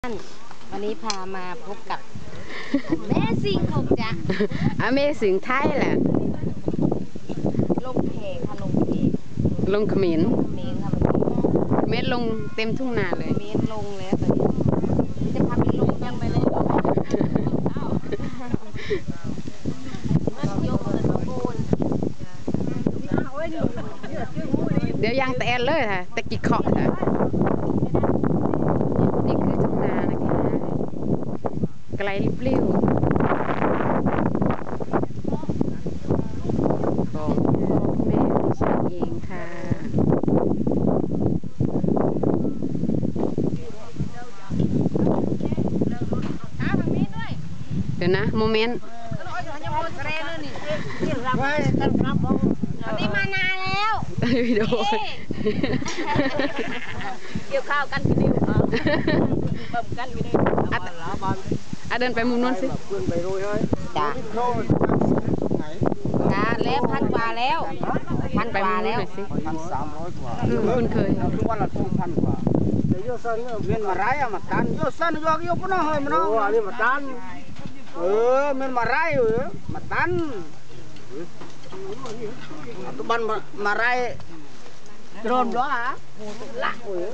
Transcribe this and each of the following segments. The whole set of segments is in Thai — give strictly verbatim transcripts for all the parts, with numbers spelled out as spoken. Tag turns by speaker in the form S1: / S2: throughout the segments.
S1: วันนี้พามาพบกับแม่สิงคงจ้ะ
S2: Amazing Thailand
S1: ลงเพค่ะลงเพ
S2: ลงเขมร
S1: เมนค่ะ
S2: เม็ดลงเต็มทุ่งนาเลย
S1: เมนลงแล้วตอนนี้จะพาไปลงยังไปเลยยกเงินโกน
S2: เดี๋ยวยางแตนเลยค่ะตะกี้เคาะค่ะนี่คือทุ่งนานะคะไกลลิบลิ่วของแม่ดิฉันเองค่ะเดี๋ยวนะโมเมนต์
S1: วันนี้มานานแล้ว
S2: วิดีโอ
S1: เกี่ยวข้าวกันกินดิวเบิ่มกันกินดิวอ่ะเดินไปมุมนู้นสิจ้าจ้าแล้วพันกว่าแล้วพันกว่าแล้ว
S3: พันสามร้อยกว่า
S2: คุณเคย
S3: ทุกวันละสองพันกว่าเดี๋ยวโยสันเวียนมาไรอะมาตันโยสันโยกโยกปนเฮ้ยมันเนาะอันนี้มาตันเออมันมาไรเออมาตันตุบันมาไรโดนด้วยฮะละเออ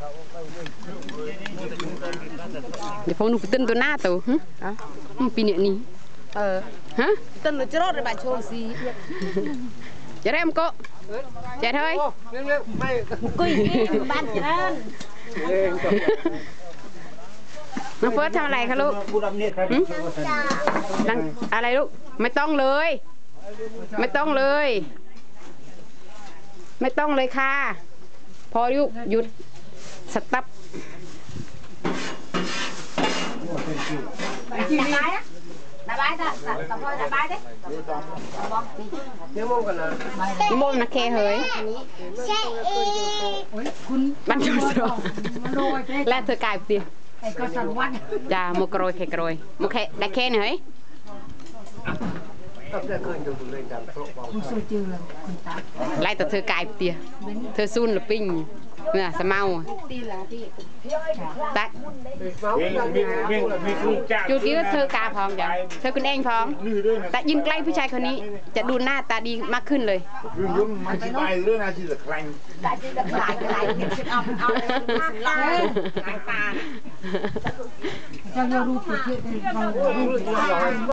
S2: เดี๋ยวพวกหนูไปเต้นตัวหน้าตัวฮะปีนี้นี่
S1: เออ
S2: ฮะ
S1: ต้นหนูจะรอดในบ้านโชว์สี
S2: จะได้มั้ยก็เจ๊เฮ้ย
S1: กุยบ้านเจริญ
S2: น้องเฟิร์สทำอะไรคะลูกนั่งอะไรลูกไม่ต้องเลย ไม่ต้องเลย ไม่ต้องเลยค่ะพอยุหยุดสตั๊บ
S1: ระบายนะระบายจ้ะระบายระบายดิ
S3: นี่มองกันนะ
S2: นิมนต์นะเคเฮ้ยบันจุสโรและเธอกายเตียจ้าโมกรอยเคกรอยโมเคได้เคหน่อยไล่แต่เธอกายเตียเธอซุนหรือปิ้งเนี่ยสมาตักจูกี้ก็เธอกาพองจ้ะเธอคุณเองพองแต่ยืนใกล้ผู้ชายคนนี้จะดูหน้าตาดีมากขึ้นเลย
S4: ยุ่งมันจะไปเรื่องอาชีพจะแข่ง
S1: หลายหลายเอาเอาหลายหลายปลา
S5: Jangan lupa kita